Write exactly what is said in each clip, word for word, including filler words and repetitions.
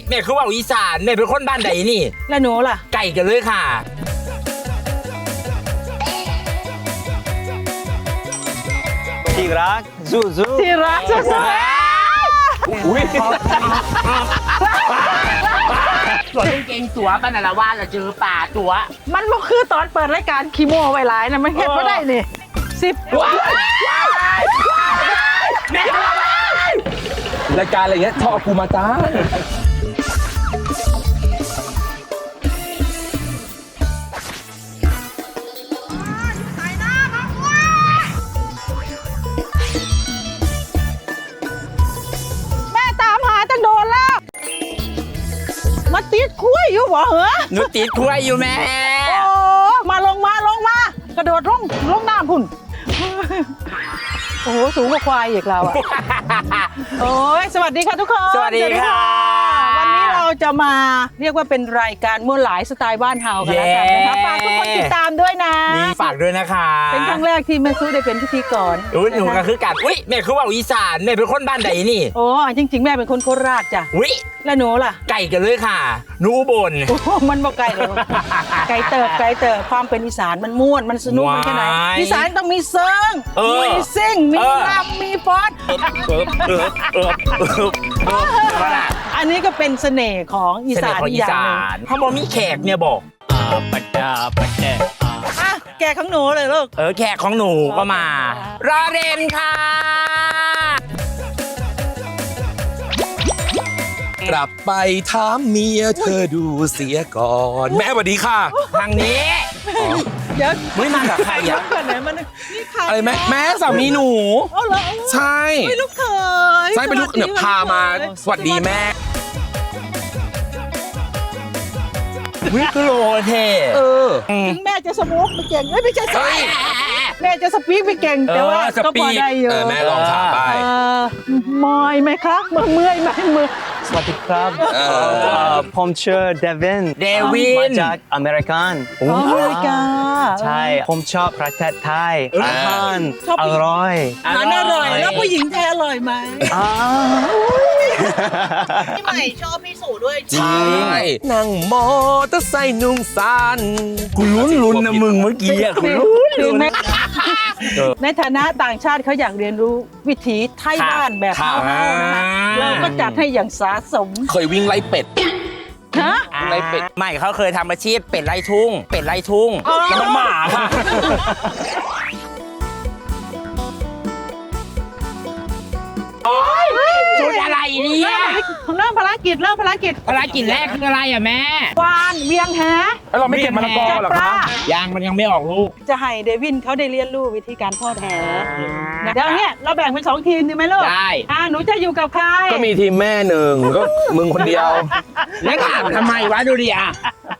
แม่คือว่าอีสานแม่เป็นคนบ้านใดนี่แล้วหนูล่ะไก่กันเลยค่ะที่รักสู้สู้ที่รักสู้อุ้ยตัวเก่งตัวปนละว่าเราเจอป่าตัวมันก็คือตอนเปิดรายการคีโมไวไลน์นะมันเห็นไม่ได้นี่สิบรายการอะไรเงี้ยชอบกูมาจ้ามาติดคุ้ยอยู่บ่เหรอหนูติดคุ้ยอยู่แม่โอ้มาลงมาลงมากระโดดลงลงน้ำพุ่นโอ้โหสูงกว่าควายอีกเราอ่ะโอ้ยสวัสดีค่ะทุกคนสวัสดีค่ะวันนี้เราจะมาเรียกว่าเป็นรายการมั่วหลายสไตล์บ้านเฮากันแล้วกันนะคะฝากทุกคนติดตามด้วยนะนี่ฝากด้วยนะคะเป็นครั้งแรกที่แม่ซูได้เป็นพิธีกรอุ้ยหนูก็คือกัดอุ้ยแม่คือว่าอีสานแม่เป็นคนบ้านใดนี่โอ้จริงๆแม่เป็นคนโคราชจ้ะอุ้ยแล้วหนูล่ะไก่กันเลยค่ะหนูบนโอ้มันบ่ไก่เลยไก่เติบไก่เติบความเป็นอีสานมันม่วนมันสนุกมันแค่ไหนอีสานต้องมีเซิงมีซิ่งมีรำมีฟอนอันนี้ก็เป็นเสน่ห์ของอีสานอย่างหนึ่งถ้าบอกมีแขกเนี่ยบอกปัดดาปัดแดดอ่ะแกของหนูเลยลูกเออแขกของหนูก็มารอเรนค่ะกลับไปถามเมียเธอดูเสียก่อนแม่สวัสดีค่ะทางนี้เดี๋ยวไม่มากับใครอ่ะอะไรแม่แม่สามีหนูใช่ไม่ลูกเคยใช่เป็นลูกเนี่ยพามาสวัสดีแม่วิกโลเทเออถึงแม่จะสมูทไม่เก่งไม่ใช่ใช่แม่จะสปีกไม่เก่งแต่ว่าก็พอได้อยู่แม่ลองถามไปมอยไหมคะเมื่อเมื่อยไหมมือสวัสดีครับผมชื่อเดวินเดวินมาจากอเมริกันอเมริกาใช่ผมชอบประเทศไทยอาหารอร่อยอาหารอร่อยแล้วผู้หญิงไทยอร่อยไหมพี่ใหม่ชอบพี่สู่ด้วยจริงนั่งมอเตอร์ไซค์นุ่งซันกูลุ้นลุ้นนะมึงเมื่อกี้อ่ะกูลุ้นลุ้นในฐานะต่างชาติเขาอยากเรียนรู้วิถีไทยบ้านแบบเราเราก็จัดให้อย่างสะสมเคยวิ่งไล่เป็ดฮะไล่เป็ดไม่เขาเคยทำอาชีพเป็ดไล่ทุ่งเป็ดไล่ทุ่งแล้วมันหมาค่ะจุดอะไรเนี่ยเริ่มภารกิจเริ่มภารกิจภารกิจแรกคืออะไรอ่ะแม่วานเวียงแหเราไม่เก็บมะละกอหรอคะยางมันยังไม่ออกลูกจะให้เดวินเขาได้เรียนรู้วิธีการทอดแหเดี๋ยวเนี่ยเราแบ่งเป็นสองทีมดีไหมลูกได้อ่าหนูจะอยู่กับใครก็มีทีมแม่หนึ่งก็มึงคนเดียวแล้วถามทำไมวะดูดิอ่ะ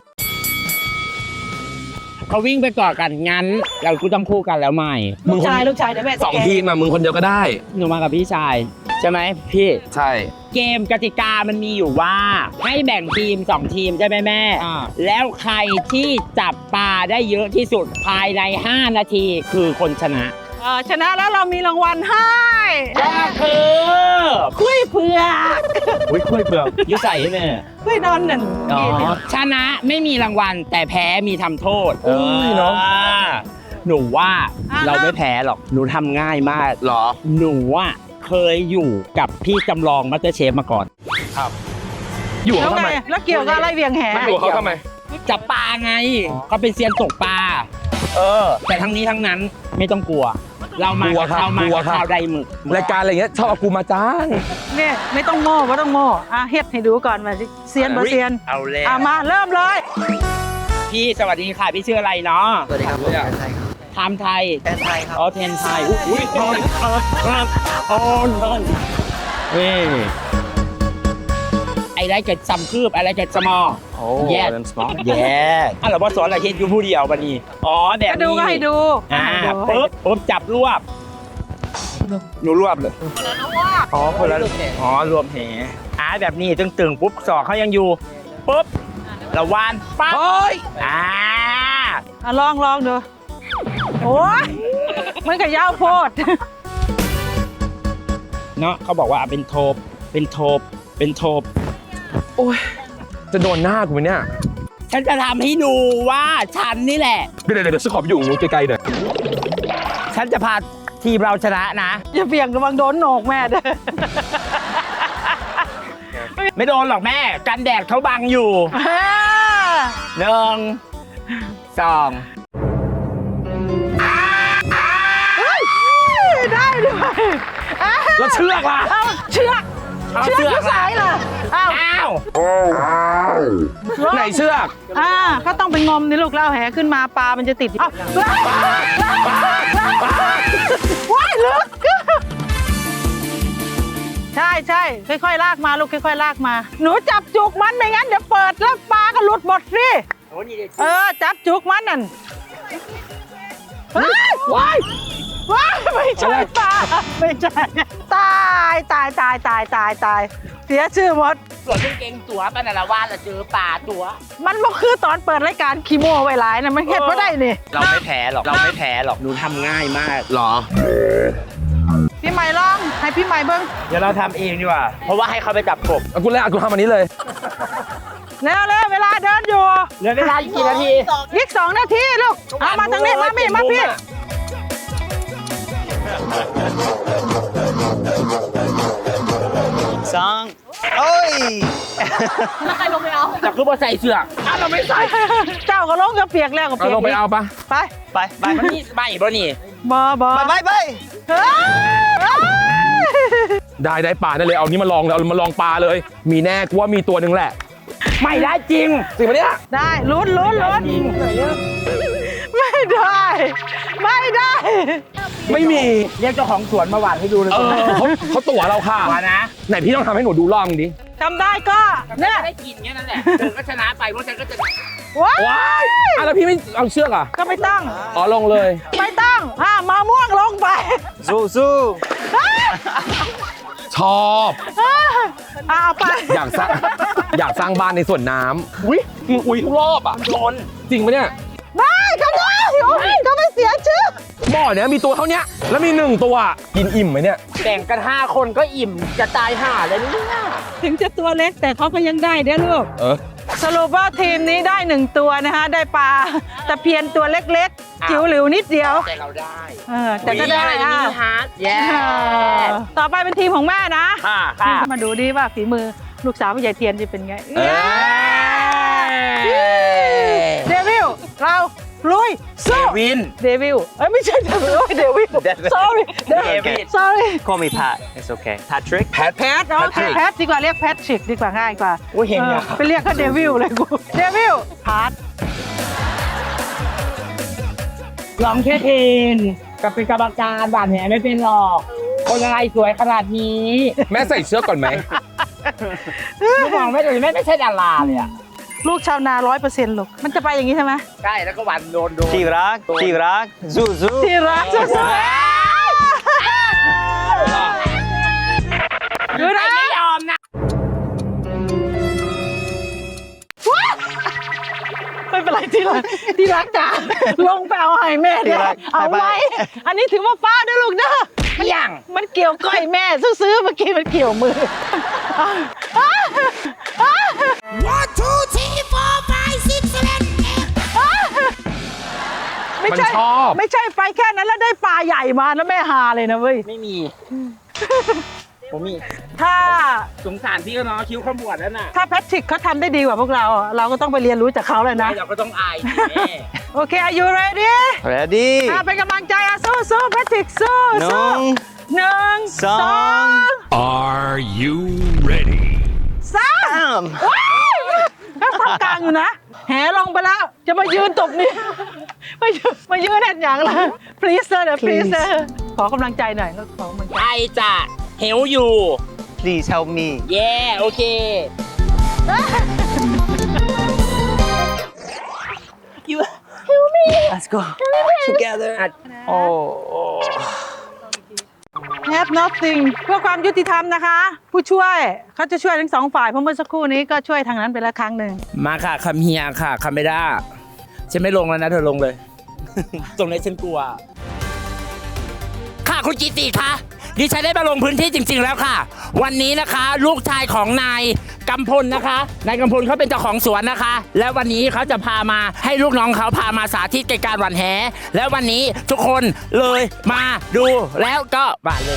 เขาวิ่งไปก่อนกันงั้นเรากูต้องคู่กันแล้วใหม่ลูกชายลูกชายเดี๋ยวแม่สองทีมอ่ะมึงคนเดียวก็ได้หนูมากับพี่ชายใช่ไหมพี่ใช่เกมกติกามันมีอยู่ว่าให้แบ่งทีมสองทีมใช่ไหมแม่แล้วใครที่จับปลาได้เยอะที่สุดภายในห้านาทีคือคนชนะชนะแล้วเรามีรางวัลให้ก็คือคุยเผือกอุ้ยคุยเผือกยุ่ใส่ไหมคุยนอนหนึ่งชนะไม่มีรางวัลแต่แพ้มีทำโทษเออเนาะหนูว่าเราไม่แพ้หรอกหนูทำง่ายมากหรอหนูว่าเคยอยู่กับพี่จำลองมัตเตอร์เชฟมาก่อนครับอยู่เขาทำไมแล้วเกี่ยวกับอะไรเวียงแหไม่อยู่เขาทำไมจับปลาไงเขาเป็นเซียนตกปลาเออแต่ทั้งนี้ทั้งนั้นไม่ต้องกลัวเรามาเรามาข่าวใดหมึกรายการอะไรเงี้ยชอบกูมาจ้างเนี่ยไม่ต้องโม่ไม่ต้องโม่อ่ะเฮ็ดให้ดูก่อนว่าเซียนบ่เซียนเอาเลยอ่ะมาเริ่มเลยพี่สวัสดีค่ะพี่ชื่ออะไรเนาะสวัสดีครับผมไทยครับทำไทยแทนไทยครับอ๋อแทนไทยอุ้ยทอนครับทอนทอนเฮ้ยไอ้ไรเกิดซ้ำคืบอะไรเกิดสมอโอ้แย่แย่อ่ะเราบอสสอนอะไรเฮ็ดอยู่ผู้เดียวบัดนี้อ๋อแบบนี้ก็ดูก็ให้ดูอ่าปุ๊บปุ๊บจับรวบหนูรวบเลยอ๋อคนละอ๋อรวมแหอ่าแบบนี้ตึงๆปุ๊บสอกเขายังอยู่ปุ๊บละวานปั๊บเฮ้ยอ่าอ่ะลองลองดูโอ้ยมันก็ยาวโพดเนาะเขาบอกว่าเป็นโทบเป็นโทบเป็นโทบโอ้ยจะโดนหน้ากูไหมเนี่ยฉันจะทำให้ดูว่าฉันนี่แหละเดี๋ยวเดี๋ยวเดี๋ยวฉันขอไปอยู่นู้นไกลๆหน่อยฉันจะพาทีมเราชนะนะอย่าเบี่ยงระวังโดนโหนกแม่เด้อไม่โดนหรอกแม่ กันแดดเขาบังอยู่หนึ่งสองได้ด้วยแล้วเชือกล่ะเอาเชือกเอาเชือกเชือกอยู่สายล่ะอ้าวอ้าวไหนเชือกอ่าก็ต้องไปงมนี่ลูกแล้วเอาแหขึ้นมาปลามันจะติดอ้าวว้ายลึกใช่ใช่ค่อยๆลากมาลูกค่อยๆลากมา หนูจับจุกมันไม่งั้นเดี๋ยวเปิดแล้วปลาก็หลุดหมดสิโอ้นี่ดิเออจับจุกมันนั่นว้ายว้ายไม่ใช่ปลาไม่ใช่ตายตายตายตายตายตายเสียชื่อหมดส่วนกางเกงตัวปานาละวานละเจอป่าตัวมันบ่คือตอนเปิดรายการคีโมไว้หลายนะมันเห็นว่าได้นี่เราไม่แพ้หรอก เราไม่แพ้หรอก หนูทำง่ายมากหรอพี่ใหม่ลองให้พี่ใหม่เบิ้งเดี๋ยวเราทำเองดีกว่า เพราะว่าให้เขาไปจับกบเอากูเลยเอากูทำอันนี้เลยเร็วเร็วเวลาเดินอยู่เหลือเวลาอีกกี่นาทีอีกสองนาทีลูกเอามาทางนี้มาพี่มาพี่สองโอ้ยแต่คือพอใส่เสื้ออ้าวเราไม่ใส่เจ้าก็ลงก็เปียกแล้วก็เอาเปียกลงไปเอาปะไปไปไปมันนี่ใบบ่นี่บอบอไปไปไปเฮ้ยได้ได้ปลาได้เลยเอานี้มาลองเลยเอามาลองปลาเลย มีแน่กูว่ามีตัวหนึ่งแหละไม่ได้จริงจริงปะเนี่ยได้ลุ้นลุ้นลุ้นไม่ได้ ไม่ได้ไม่มีเรียกเจ้าของสวนมาหวานให้ดูเลยเออเขาเขาตั๋วเราค่ะมานะไหนพี่ต้องทำให้หนูดูรอบนึงดิทำได้ก็เนี่ยได้กินแค่นั้นแหละเธอก็ชนะไปเพราะฉันก็จะว้าว้ายอ่ะแล้วพี่ไม่เอาเชือกอ่ะก็ไม่ต้องอ๋อลงเลยไม่ต้องอ่ามาม่วงลงไปสู้สู้ชอบเอาไปอยากสร้างอยากสร้างบ้านในสวนน้ำอุ้ยมึงอุ้ยทุกรอบอ่ะโดนจริงปะเนี่ยได้ก็ได้โอ้ยก็ไม่เสียชื่อบ่อเนี้ยมีตัวเท่าเนี้ยแล้วมีหนึ่งตัวกินอิ่มไหมเนี่ยแบ่งกันห้าคนก็อิ่มจะตายห่าเลยเนี่ยถึงจะตัวเล็กแต่เขาก็ยังได้เด้อลูกเออสรุปว่าทีมนี้ได้หนึ่งตัวนะคะ ได้ปลาตะเพียนตัวเล็กๆ จิ๋วหลิวนิดเดียวแต่เราได้เออแต่ก็ได้อ่ะอ่ะฮาร์ดแย่เออต่อไปเป็นทีมของแม่นะค่ะค่ะมาดูดิว่าฝีมือลูกสาวผู้ใหญ่เทียนจะเป็นไงเอ้ยเดวิลเราลุยสู้วินเดวิลเอ้ยไม่ใช่เดวิลโอ้ยเดวิล sorry เดวิล sorry call me Pat it's okay Patrick แพทแพทโอเคแพทดีกว่าเรียกแพทชิกดีกว่าง่ายกว่าโอ้ยเห็นเนี่ยออไปเรียกเขาเดวิลเลยกูเดวิลพาร์ทลองแค่เทนกับเป็นกรรมการบาดแผลไม่เป็นหรอก คนอะไรสวยขนาดนี้แม่ใส่เชือกก่อนไหมลูกมองไม่เลยแม่ไม่ใช่ดาราเลยอ่ะลูกชาวนาร้อยเปอร์เซ็นต์ลูกมันจะไปอย่างนี้ใช่ไหมใช่แล้วก็วันโดนโดนที่รักที่รักสู้สู้ที่รักสุดๆดูนะไม่ยอมนะไม่เป็นไรที่รักที่รักจ้าลงไปเอาให้แม่เดี๋ยวเอาไว้อันนี้ถือว่าฟ้าด้วยลูกเด้อไม่ยังมันเกี่ยวก้อยแม่ซื้อๆเมื่อกี้มันเกี่ยวมือ One, two, three, four, five, six, seven, eight. ไม่ใช่มันชอบไม่ใช่ไปแค่นั้นแล้วได้ปลาใหญ่มาแล้วแม่ฮาเลยนะเว้ยไม่มี ผมมีถ้าสงสารพี่ก็เนาะคิ้วขมวดแล้วน่ะถ้าแพทริกเขาทำได้ดีกว่าพวกเราอ่ะเราก็ต้องไปเรียนรู้จากเขาเลยนะเราก็ต้องอายสิแม่โอเค are you ready ready อ่ะเป็นกำลังใจอ่ะสู้สู้แพทริกสู้หนึ่สู้งหนึ่งสอง Are you ready? สามว้ายก็ทำกลางอยู่นะ แหลงไปแล้ว จะมายืนตบนี่ ไม่ยืนมายืนแน่นอย่างละ please sir เดี๋ยว please sir ขอกำลังใจหน่อยขอกำลังใจใช่จ้ะเหวอยู่ please help me เย่โอเค you help me let's go together โอ้ have nothing เพื่อความยุติธรรมนะคะ ผู้ช่วยเขาจะช่วยทั้งสองฝ่ายเพราะเมื่อสักครู่นี้ก็ช่วยทางนั้นไปแล้วครั้งหนึ่งมาค่ะคำเฮียค่ะคำไม่ได้ฉันไม่ลงแล้วนะเธอลงเลย ตรงนี้ฉันกลัว ค่ะคุณจิติคะดิฉันได้มาลงพื้นที่จริง ๆ แล้วค่ะ วันนี้นะคะลูกชายของนายกำพลนะคะนายกำพลเขาเป็นเจ้าของสวนนะคะ และวันนี้เขาจะพามาให้ลูกน้องเขาพามาสาธิตการหว่านแหและวันนี้ทุกคนเลยมาดูแล้วก็บาดเลย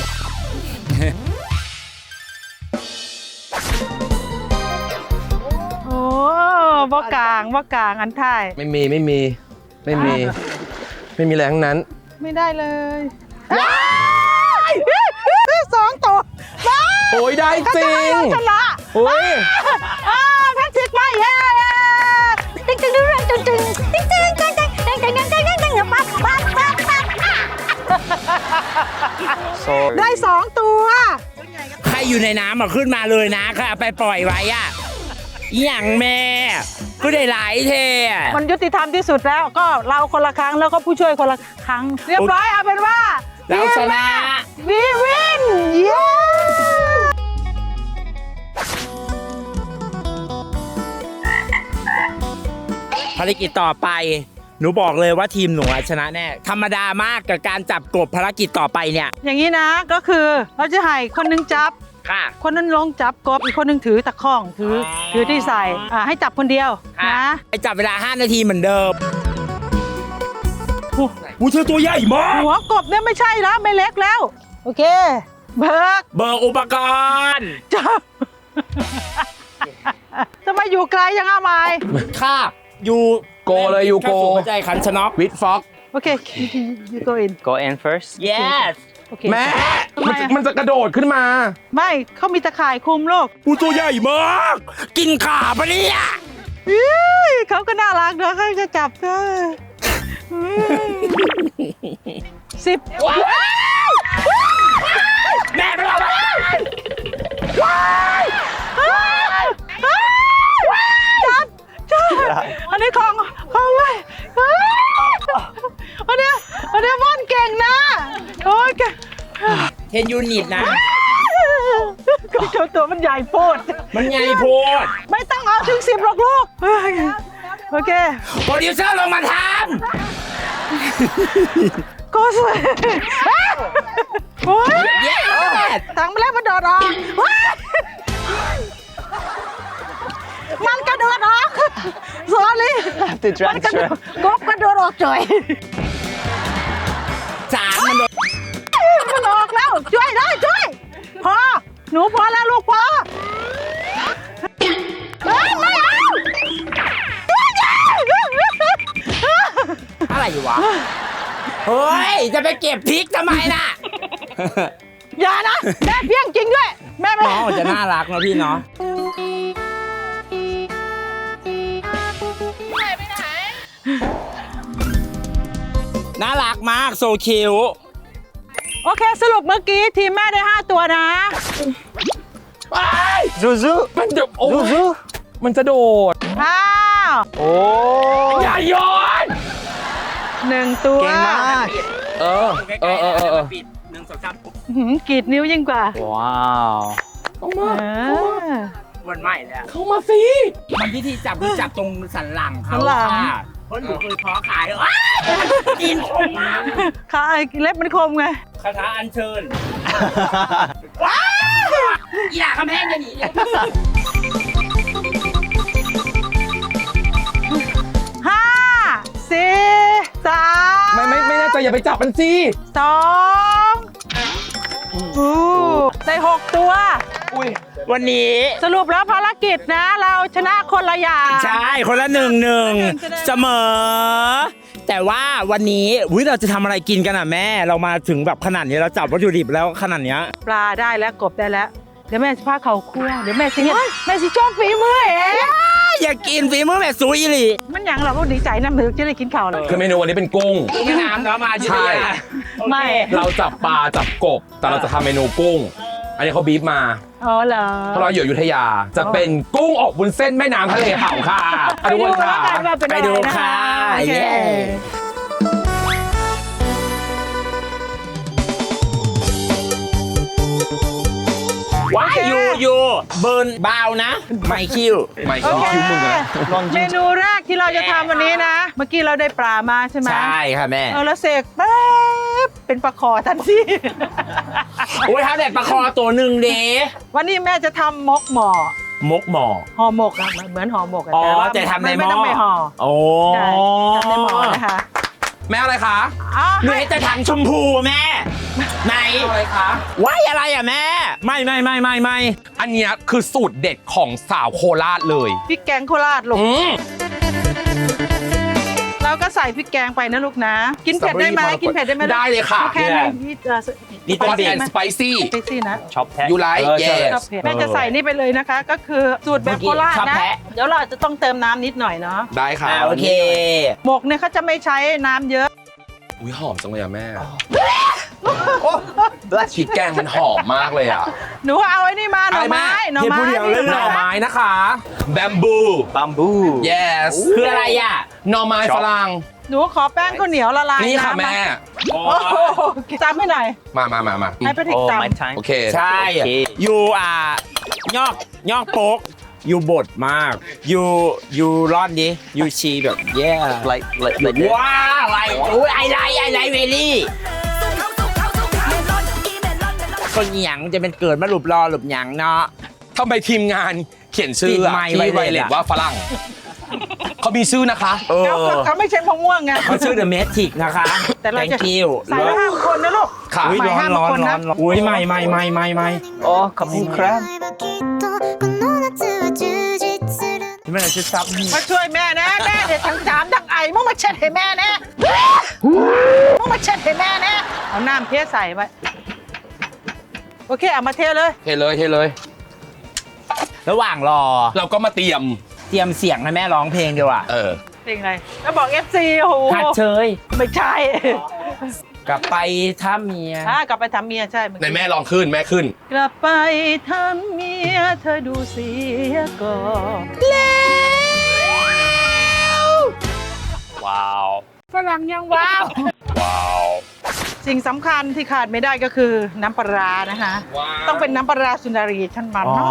โอ้บ่กลางบ่กลางอันท้ายไม่มีไม่มีไม่มี ไม่มีแรงนั้นไม่ได้เลยสองตัวมาโอ้ยได้จริงชนะโอ้ยอ่าแพทริกมาเย้ติ๊งติ๊งติ๊งติ๊งติ๊งติ๊งติ๊งติ๊งติ๊งติ๊งติ๊งติ๊งติ๊งติ๊งติ๊งปั๊บปั๊บปั๊บปั๊บได้สองตัวใครอยู่ในน้ำอ่ะขึ้นมาเลยนะค่ะเอาไปปล่อยไว้อ่ะอหย่างแม่ก็ได้หลายเทอะมันยุติธรรมที่สุดแล้วก็เราคนละครั้งแล้วก็ผู้ช่วยคนละครั้ง เรียบร้อยเอาเป็นว่าเราชนะวีวินเย้ภารกิจต่อไปหนูบอกเลยว่าทีมหนูอะชนะแน่ธรรมดามากกับการจับกบภารกิจต่อไปเนี่ยอย่างนี้นะก็คือเราจะให้คนหนึงจับค่ะคนนั้นลงจับกบอีกคนหนึงถือตะข้องถือออถือที่ใส่อ่าให้จับคนเดียวค่ะนะไปจับเวลาห้านาทีเหมือนเดิมอู้เธอตัวใหญ่มากหัวกบเนี่ยไม่ใช่แล้วไม่เล็กแล้ว โอเค เบิกเบอร์อุปกรณ์จับ ทำไมอยู่ไกลยังอาไมายค่ะอยู่โกเลยอยู่โกเข้าสู่หัวใจขันชนกวิดฟ็อกโอเค you go in Go in first yes โอเคแม่ทำไมมันจะอะมันจะกระโดดขึ้นมาไม่เขามีตะข่ายคลุมโลกอู้ตัวใหญ่มาก กินขาปะเนี่ยอี้เขาก็น่ารักนะเขาจะจับเธออืมสิบแม่ไปแล้วจับจับอันนี้ของของไว้อันนี้อันนี้ม่อนเก่งนะโอ้ยเก่งเทนยูนิตนะก็เจ้าตัวมันใหญ่โพดมันใหญ่โพดไม่ต้องเอาถึงสิบหรอกลูกโอเคโปรดิวเซอร์ลงมาทก็สวยโอ้ยำเย้ตังมาแล้วมันโดดออกมันกระโดดออก sorry Have to มันกระโด transfer ดกบกระโดดออกจ่อยสามมันโดนมันออกแล้วช่วยได้ช่วยพอหนูพอแล้วลูกพอเฮ้ยไม่เอาอะไรวะ เฮ้ย จะไปเก็บพริกทำไมน่ะอย่านะแม่เพี้ยงจริงด้วยแม่ไม่น้องจะน่ารักนะพี่เนาะน่ารักมากโซคิวโอเคสรุปเมื่อกี้ทีมแม่ได้ห้าตัวนะ Zuzu มันจะโอ้ย Zuzu มันจะโดดอ้าวโอ้อย่าโยนหนึ่งตัวเก่งมากเออเออเออเออเออปิดหนึ่งสองสามหืมกรีดนิ้วยิ่งกว่าว้าวเข้ามาเออวันใหม่เลยอะเข้ามาสิมันที่ที่จับคือจับตรงสันหลังเขาสันหลังค่ะเพราะหนูเคยเพาะขายอ้าวกินคมมากขาไอ้เล็บมันคมไงคาถาอัญเชิญว้าวอย่าคำแพงจะหนีเนี่ยห้าสี่สามไม่ไม่ไม่น่าจะอย่าไปจับมันสิสองอู้ได้หกตัวอุ้ยวันนี้สรุปแล้วภารกิจนะ เราชนะคนละอย่างใช่คนละหนึ่งหนึ่งเสมอ แต่ว่าวันนี้วิเราจะทำอะไรกินกันอ่ะแม่ เรามาถึงแบบขนาดนี้เราจับวัตถุดิบแล้วขนาดเนี้ยปลาได้แล้วกบได้แล้ว เดี๋ยวแม่จะพาเขาคั่วเดี๋ยวแม่สิเนี่ยแม่สิชอบฝีมือเองอยากกินฝีมือแม่ซูอีหลีมันอย่างเราก็ดีใจนะมือจะได้กินข้าวเลยคือเมนูวันนี้เป็นกุ้งแม่น้ำเนาะมาใช่ไม่เราจับปลาจับกบ แต่เราจะทำเมนูกุ้ง อันนี้เขาบีบมาอ๋อเหรอเพราะเราอยู่อยุธยา จะเป็นกุ้งอบวุ้นเส้นแม่น้ำทะเลเผาค่ะไปดูทุกคนแล้วค่ะกันว่าเป็นไปอะไรดูนะค่ะโอเคเย้ว้ายอยู่อยู่เบิร์นเบานะ ไม่คิวไม่โอคิ้วเคคิ้วมึงอะเมนูแรกที่เราจะทำวันนี้นะ เมื่อกี้เราได้ปลามาใช่ไหมใช่ค่ะแม่เออแล้วเสกแป๊บเป็นปลาคอทันทีอุ้ยถ้าเด็ดปลาคอตัวหนึ่งเด้วันนี้แม่จะทำมกหม้อมกหม้อห่อหมกอะเหมือนห่อหมกอะอ๋อแต่ว่าแต่ทำในหไม่ม้อต้องไปห่อโอ้ใช่ทำในหม้อนะคะแม่อะไรคะอ๋อหนูเห็นแต่ถังชมพูแม่ ไหนอะไรคะว้ายอะไรอ่ะแม่ไม่ไม่ไม่ไม่ไม่อันเนี้ยคือสูตรเด็ดของสาวโคราชเลยพริกแกงโคราชลูกอืมเราก็ใส่พริกแกงไปนะลูกนะ กินเผ็ดได้ไหม Strawberry กินเผ็ดได้ไหมลูกได้เลยค่ะโอเคเลยนี่จะนี่เป็น Hot เด็ก and spicy สไปซี่นะชอบแท้ You like เออใช่ yes ชอบเผ็ดแม่จะใส่นี่ไปเลยนะคะ ก็คือสูตรแบบโคราชชอบนะแพะเดี๋ยวเราจะต้องเติมน้ำนิดหน่อยเนาะได้ค่ะอ่าโอเคหมกเนี่ยเขาจะไม่ใช้น้ำเยอะอุ้ยหอมจังเลยอะแม่พริกแกงมันหอมมากเลยอะหนูเอาไอ้นี่มาหน่อไม้อะไรแม่หน่อไม้เดี๋ยวพูดเดี๋ยวเลยหน่อไม้นะคะแบมบูบัมบู yes คืออะไรอ่ะหน่อไม้ฝรั่งหนูขอแป้งข้าวเหนียวละลายนี่ค่ะำแม่โอ้โหจำให้หน่อยมามามามาให้พระทิกโอ้จ my time โอเคใช่โอเคยูอ่ะยอกยอกโป๊กยูบดมากยูยูร่อนดิยูชีแบบแย่ like like like that ว้าวอะไรอุ้ยไอไลไอไลเวลี่คนหยังจะเป็นเกิดมาหลุบรอหลุบหยังเนาะทำไมทีมงานเขียนชื่อติดอะไมค์ที่ไว้ไวเลยเลตอะว่าฝรั่ง เขามีชื่อนะคะเอำเขาอเขาไม่ใช่มะม่วงไงเขาชื่อ The Matrix นะคะแต่เราจะ Thank you ใส่ไว้ห้าคนนะลูกค่ะอุ้ยหมายร้อนห้ามร้อนคนร้นะอนร้อนอุ้ยไม่ไม่ไม่ไม่ไม่โอ้ขอบคุณครับที่มันจะซับมาช่วยแม่นะแม่เดี๋ยวทั้งจามทั้งไอมึงมาเช็ดให้แม่นะมึงมาเช็ดให้แม่นะเอาน้ำเทใส่ไว้โอเคเอามาเทเลยเทเลยเทเลยระหว่างรอเราก็มาเตรียมเตรียมเสียงให้แม่ร้องเพลงดีกว่าเออเพลงอะไรแล้วบอก เอฟ ซี โอ้โหหัดเชยไม่ใช่กลับไปถ้าเมียถ้ากลับไปทำเมียใช่เอในกี้แม่ลองขึ้นแม่ขึ้นกลับไปทำเมียเธอดูเสียก่อนว้าวฝรั่งยังว้าวว้าวสิ่งสำคัญที่ขาดไม่ได้ก็คือน้ำปลาร้านะคะว้าวต้องเป็นน้ำปลาร้าสุนารีท่านมันอ๋อ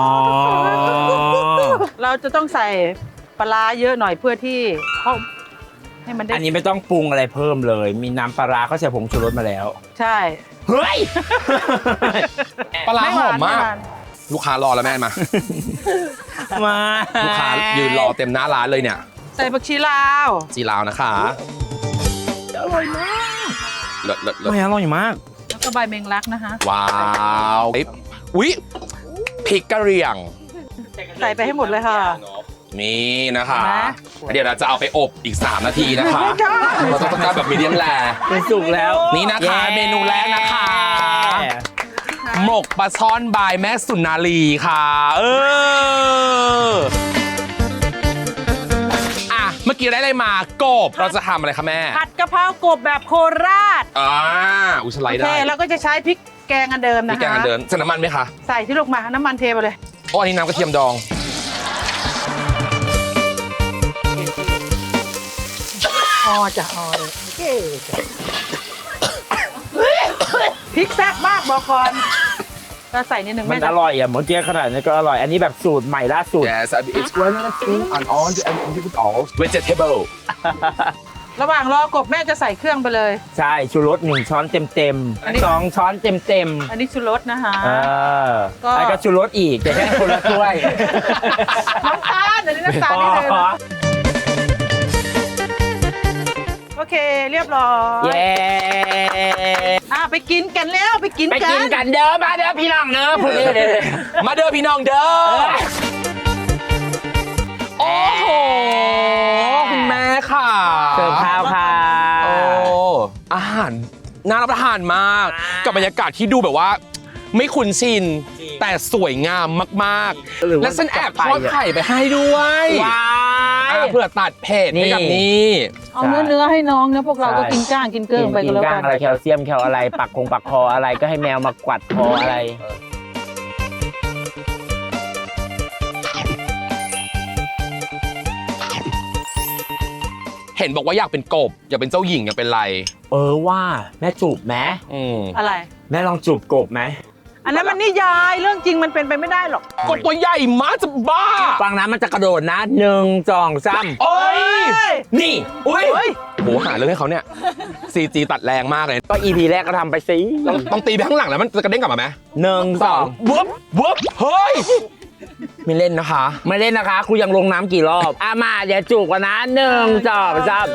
เราจะต้องใส่ปลาร้าเยอะหน่อยเพื่อที่เขาให้มันได้อันนี้ไม่ต้องปรุงอะไรเพิ่มเลย มีน้ำปลาร้าเขาใส่ผงชูรสมาแล้วใช่เฮ้ยปลาร้าไม่หวอมมากไหวนลูกค้ารอแล้วแม่มามาลูกค้ายืนรอเต็มหน้าร้านเลยเนี่ยใส่ผักชีลาวจีราวนะคะอร่อยมากเลิศเลิศเลิศไม่อร่อยมากแล้วก็ใบเมงลักนะคะว้าวเอ้ยอุ๊ยพริกกะเหรี่ยงใส่ไปให้หมดเลยค่ะนี่นะคะเห็นไหมเดี๋ยวเราจะเอาไปอบอีก สาม นาทีนะคะไม่ได้เราต้องการแบบมีเดียมแรเป็นสุกแล้วนี่นะคะย้เมนูแรกนะคะ หมกปลาช่อนบายแม่สุนารีค่ะ เออ อ่ะ เมื่อกี้ได้อะไรมากบ เราจะทำอะไรคะแม่ผัดกะเพรากบแบบโคราชอ่าอุยสไลโอด์เคได้แล้วก็จะใช้พริกแกงอันเดิมมีนะคะแกงอันเดิมใส่น้ำมันไหมคะใส่ที่ลูกมาน้ำมันเทไปเลยโอ้อันนี้น้ำกระเทียมดองพอจะพอเลยโอเคพริกแซ่บมากบอกก่อนเราใส่นิดนึงมันแม่อร่อยอ่ะเมื่อกี้ขนาดนี้ก็อร่อย อันนี้แบบสูตรใหม่ล่าสุด Yes it's one of the thing and on and with all vegetable ระหว่างรอกบแม่จะใส่เครื่องไปเลยใช่ชูรสหนึ่งช้อนเต็มเต็มๆอันนี้สองช้อนเต็มเต็มอันนี้ชูรสนะคะๆเออก็แล้วก็ชูรสอีกแต่แค่คนละถ้วยน้ำตาลเดี๋ยวนี้น้ำตาลนิดนึงโอเคเรียบร้อยเย้อ่ะไปกินกันแล้วไปกินไปกักินนกันเด้อมาเด้อพี่น้องเด้อพูดเลยเลยมาเด้อพี่น้องเด้อ โอ้โห คุณแม่ค่ะเสิร์ฟข้าวค่ะโอ้อาหารน่ารับประทานมาก กับบรรยากาศที่ดูแบบว่า ไม่คุ้นชิน แต่สวยงามมากหรือๆว่าและฉันแอบทอดไข่ไปให้ด้วยว้าอ่ะยเผื่อตัดเผ็ดให้กับนี่นี่เอาเนื้อเนื้อให้น้องนะพวกเราก็กินก้างกินเกลือไปกิกันนแล้วก้ากังนอะไรแคลเซียมแคลอะไรปักคงปักคออะไรก็ให้แมวมากวัดคออะไรเห็นบอกว่าอยากเป็นกบ อยากเป็นเจ้าหญิงอยากเป็นไรเออว่าแม่จูบไหมอืมอะไรแม่ลองจูบกบไหมอันนั้นมันนิยายเรื่องจริงมันเป็นไปไม่ได้หรอกกบตัวใหญ่มากจะบ้าฟังนะมันจะกระโดดนะหนึ่งสองสามโอ้ยนี่ อุ้ยเฮ้ยโหหาเรื่องให้เขาเนี่ย ซี จี ตัดแรงมากเลยก็ อี พี แรกก็ทำไปสิต้องต้องตีไปข้างหลังแล้วมันจะกระเด้งกลับมาไหมหนึ่งสองวุบวุบเฮ้ย ไม่เล่นนะคะไม่เล่นนะคะครูยังลงน้ำกี่รอบอ่ะมาเดี๋ยวจูบกันนะหนึ่งสองสาม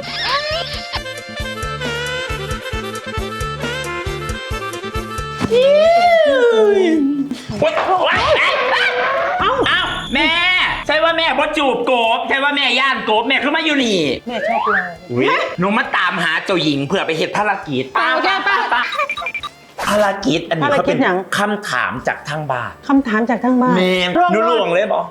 เอ้าเอ้าแม่ใช่ว่าแม่บ่จูบโกบใช่ว่าแม่ย่านโกบแม่ขึ้นมาอยู่นี่แม่ชอบเลยอุ๊ยหนูมาตามหาเจ้าหญิงเพื่อไปเฮ็ดภารกิจไปแก้ป่ะภารกิจอันนี้ภารเขากิเป็จนหยังคำถามจากทางบ้านคำถามจากทางบ้านแม่ร่วงหนูหลวงเลยบอก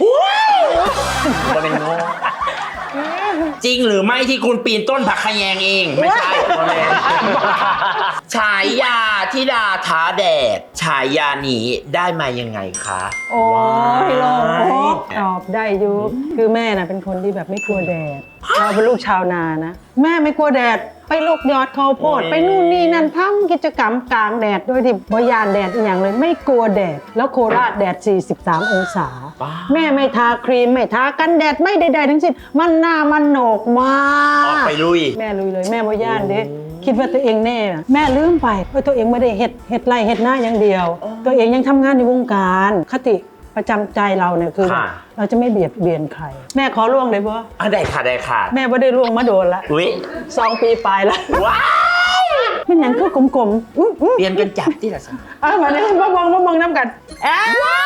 จะเป็นโง่จริงหรือไม่ที่คุณปีนต้นผักขะแยงเอง ไม่ใช่แม่ฉายาธิดาท้าแดด ฉายานี้ได้มายังไงคะโอ้ยโลงโอ้ตอบได้อยุคือแม่น่ะเป็นคนที่แบบไม่กลัวแดด เราเป็นลูกชาวนานะ แม่ไม่กลัวแดด ไปลูกยอดข้าวโพด ไปนู่นนี่นั่นทำกิจกรรมกลางแดดโดยที่บยานแดดอหย่างเลยไม่กลัวแดด แล้วโคราชแดด สี่สิบสาม องศา แม่ไม่ทาครีม ไม่ทากันแดดไม่ใดๆทั้งสิ้นมันหน้ามันโหนกมากออกไปลุยแม่ลุยเลยแม่บย่านเด้คิดว่าตัวเองแน่แม่ลืมไปว่าตัวเองไม่ได้เฮ็ดเฮ็ดไรเฮ็ดหน้าอย่างเดียว ตัวเองยังทำงานในวงการคติประจำใจเราเนี่ยคือค่ะเราจะไม่เบียดเบียนใคร แม่ขอล่วงเลยปะอ่ะได้ค่ะได้ค่ะแม่ไม่ได้ล่วงมาโดนละอุ้ยสองปีปลายละว้าวมันหยังคือกลมๆอื้ออื้อเปลี่ยนกันจับที่ละสิเอามาเนี่ยมามองมามองน้ำกันแอ้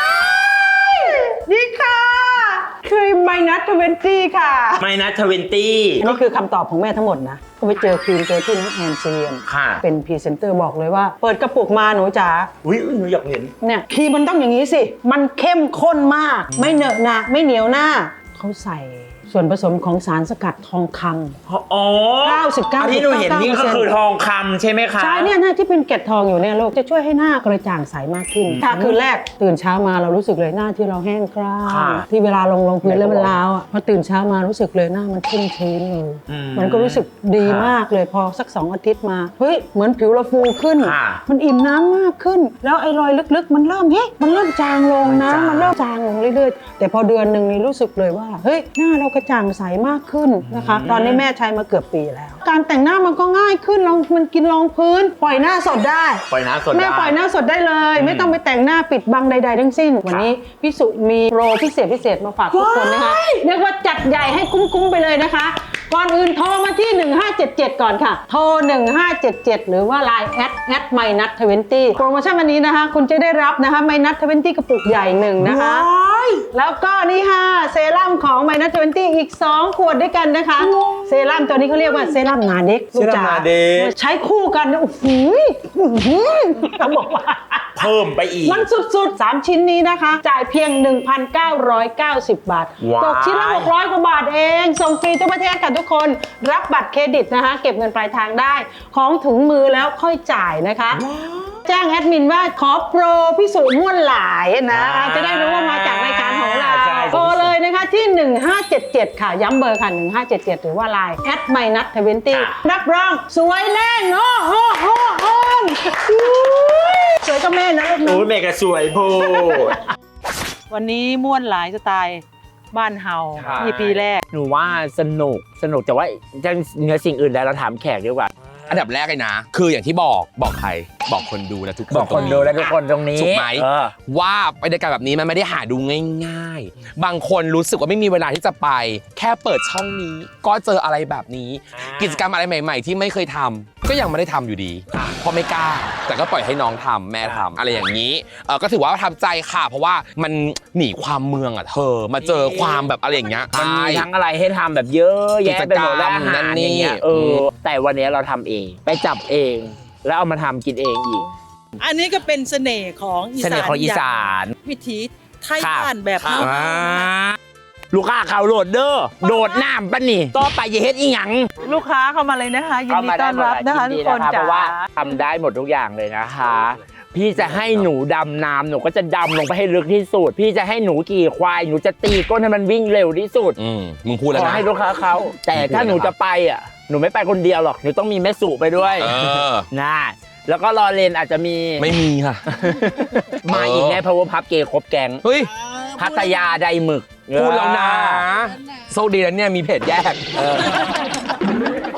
นี่ค่ะคือไมนัสทเวนตี้ค่ะไม่นะทเวนตี้อันนี้คือคำตอบของแม่ทั้งหมดนะก็ไปเจอครีมตัวที่น้องแอนเซียนค่ะเป็นพรีเซนเตอร์บอกเลยว่า เปิดกระปุกมาหนูจ๋าอุ้ยหนูอยากเห็นเนี่ยครีมมันต้องอย่างนี้สิ มันเข้มข้นมาก ไม่เหนอะหนะไม่เหนียวหน้า เขาใส่ส่วนผสมของสารสกัดทองคำอ๋อเก้าสิบเก้าอันที่หนูเห็นนี่ก็คือทองคำใช่ไหมคะใช่เนี่ยหน้าที่เป็นเกล็ดทองอยู่เนี่ยลูกจะช่วยให้หน้ากระจ่างใสมากขึ้น ถ้าคืนแรกตื่นเช้ามาเรารู้สึกเลยหน้าที่เราแห้งกร้านที่เวลาลงลงพื้นแล้วมันล้าวอ่ะพอตื่นเช้ามารู้สึกเลยหน้ามันชุ่มชื้นเลยมันก็รู้สึกดีมากเลยพอสักสองอาทิตย์มาเฮ้ยเหมือนผิวเราฟูขึ้น มันอิ่มน้ำมากขึ้น แล้วไอ้รอยลึกๆ มันเริ่มเฮ้ยมันเริ่มจางลงนะมันเริ่มจางลงเรื่อยๆแต่พอเดือนหนึ่งนี่รู้สึกเลยว่าเฮ้ยหน้าเรากระจ่างใสมากขึ้นนะคะตอนนี้แม่ใช้มาเกือบปีแล้ว การแต่งหน้ามันก็ง่ายขึ้นลองมันกินรองพื้นปล่อยหน้าสดได้ปล่อยน้ำสดแม่ได้ปล่อยหน้าสดได้เลย ไม่ต้องไปแต่งหน้าปิดบังใด ๆ ทั้งสิ้น วันนี้พี่สุมีโปรพิเศษพิเศษมาฝากทุกคนนะคะเรียกว่าจัดใหญ่ให้คุ้มๆไปเลยนะคะก่อนอื่นโทรมาที่หนึ่งห้าเจ็ดเจ็ดก่อนค่ะโทรหนึ่งห้าเจ็ดเจ็ดหรือว่า ไลน์ แอดแอดไมนัททเวนตี้โปรโมชั่นวันนี้นะคะคุณจะได้รับนะคะไมนัททเวนตี้กระปุกใหญ่หนึ่งนะคะ แล้วก็นี่ค่ะเซรั่มของไมนัททเวนตี้อีกสองขวดด้วยกันนะคะเซรั่มตัวนี้เขาเรียกว่าเซรั่มนาเด็กลูกจ๋าใช้คู่กันนะโอ้โหเขาบอกว่าเพิ่มไปอีกมันสุดๆ สาม ชิ้นนี้นะคะ จ่ายเพียง หนึ่งพันเก้าร้อยเก้าสิบ บาทว้าวตกชิ้นละหกร้อยกว่าบาทเอง ส่งฟรีทั่วประเทศค่ะทุกคน รับบัตรเครดิตนะคะ เก็บเงินปลายทางได้ ของถึงมือแล้วค่อยจ่ายนะคะ แจ้งแอดมินว่าขอโปรพิสูจน์ม่วนหลายนะ จะได้รู้ว่ามาจากรายการของเราใช่โทรเลยนะคะที่ หนึ่งห้าเจ็ดเจ็ด ค่ะ ย้ำเบอร์ค่ะ หนึ่งห้าเจ็ดเจ็ด หรือว่า ไลน์ แอดไมนัททเวนตี้รับรองสวยแน่นอนโอ้โหโอ้โหสวยก็แม่นะลูกนะโอ้ยแม่ก็สวยโพดวันนี้ม่วนหลายสไตล์บ้านเฮาใช่อีพีแรกหนูว่าสนุกสนุกแต่ว่าจะเหนือสิ่งอื่นแล้วเราถามแขกดีกว่าอันดับแรกเลยนะ คืออย่างที่บอกบอกใครบอกคนดูและทุกคนบอกคนดูและทุกคนตรงนี้ถูกไหมเออว่าบรรยากาศแบบนี้มันไม่ได้หาดูง่ายๆ บางคนรู้สึกว่าไม่มีเวลาที่จะไป แค่เปิดช่องนี้ ก็เจออะไรแบบนี้ กิจกรรมอะไรใหม่ ๆ ที่ไม่เคยทำก็ยังไม่ได้ทำอยู่ดีเพราะไม่กล้า แต่ก็ปล่อยให้น้องทำแม่ทำอะไรอย่างนี้เออก็ถือว่าประทับใจค่ะ เพราะว่ามันหนีความเมืองอ่ะเธอมาเจอความแบบอะไรอย่างเงี้ยมันมีใช่ทั้งอะไรให้ทำแบบเยอะแยะไปหมดแล้วกิจกรรมอาหารนั่นนี่อย่างเงี้ยเออแต่วันนี้เราทำเองไปจับเอง แล้วเอามาทำกินเองอีกอันนี้ก็เป็นเสน่ห์ของอีเสสานน่ห์ของอีสานวิถีไทยค่ะบ้านแบบอ่าเฮาลูกค้าเขาโหลดเด้อโดดน้ำปะนี่ต่อไปอย่าเฮ็ดอีหยังลูกค้าเข้ามาเลยนะคะ ยินดีต้อนรับนะคะทุกคนเพจ๋าราะว่าทำได้หมดทุกอย่างเลยนะคะ พี่จะให้หนูดำน้ำหนูก็จะดำลงไปให้ลึกที่สุด พี่จะให้หนูขี่ควายหนูจะตีก้นให้มันวิ่งเร็วที่สุดอืมมึงพูดแล้วขอนะให้ลูกค้าเขาแต่ถ้าหนูจะไปอ่ะหนูไม่ไปคนเดียวหรอกหนูต้องมีแม่สุไปด้วยเออนะแล้วก็รอเลนอาจจะมีไม่มีค่ะมาอีกแน่เพราะว่าพับเกย์ครบแกงเฮ้ยพัทยาไดหมึกพูดแล้วนะโชคดีแล้วเนี่ยมีเพจแยก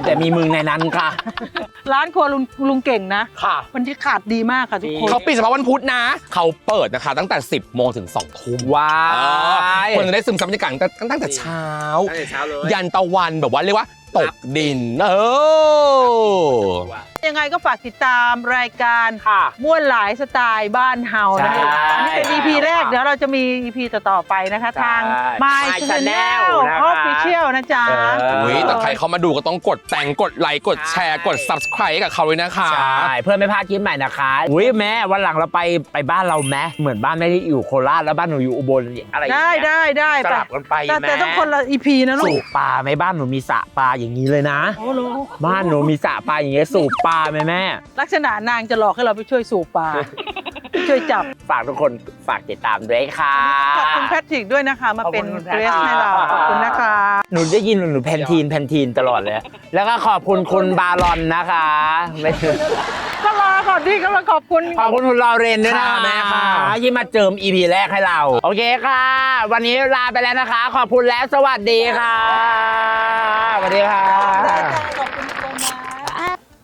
แต่มีมึงในนั้นค่ะร้านครัวลุงลุงเก่งนะค่ะบรรยากาศดีมากค่ะทุกคนเขาปิดเฉพาะวันพุธนะ เขาเปิดนะคะ ตั้งแต่ สิบโมงถึงสองทุ่มว้าเออย คนจะได้ซึมซับบรรยากาศตั้งแต่ตั้งแต่เช้าตั้งแต่เช้าเลยยันตะวันแบบว่าเรียกว่าตกดิน เออยังไงก็ฝากติดตามรายการค่ะม่วนหลายสไตล์บ้านเฮานะคะใช่อันนี้เป็น อี พี แรกเดี๋ยวเราจะมี อี พี ต่อๆไปนะคะใช่ทาง My My Channel Channel นะคะ Official นะจ๊ะเอออุ้ยแต่ใครเขามาดูก็ต้องกดแต่งกดไลค์กดแชร์กด subscribe ให้กับเขาเลยนะคะใช่เพื่อไม่พลาดคลิปใหม่นะคะอุ้ยแม่วันหลังเราไปไปบ้านเราแม่เหมือนบ้านไม่ได้อยู่โคราชแล้วบ้านหนูอยู่อุบลอะไรอย่างได้เงี้ยได้ได้สลับกันไปแต่แม่แต่ต้องคนละ อี พี นะลูสูกบปลาไหมบ้านหนูมีสระปลาอย่างนี้เลยนะโอ้โหบ้านหนูมีสระปลาอย่างเงี้ยสูบปลาไหมแม่ลักษณะนางจะหลอกให้เราไปช่วยสูบปลา ไปช่วยจับฝากทุกคนฝากติดตามด้วยค่ะขอบคุณแพทริกด้วยนะคะ มาเป็นขอบคุณเกรสให้เราค่ะขอบคุณนะคะหนูได้ยินหนูแพนทีนแพนทีนตลอดเลย แล้วก็ขอบคุณคุณบารอนนะคะไม่ถึงก็รอก่อนที่กำลังขอบคุณขอบคุณคุณลอเรนด้วยนะค่ะแม่ค่ะที่มาเจิม อี พี แรกให้เรา โอเคค่ะ วันนี้ลาไปแล้วนะคะ ขอบคุณและสวัสดีค่ะสวัสดีค่ะขอบคุณตัวนะ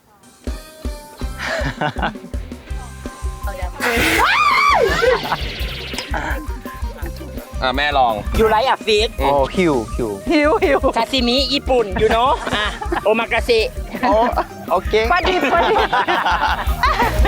อ่ะแม่ลองอยู่ไรอะฟิตโอ้คิวคิวหิวหิวซาซิมิญี่ปุ่นอยู่เนาะอ่ะโอมากาเสะโอ้โอเคปลาดิบปลาดิบ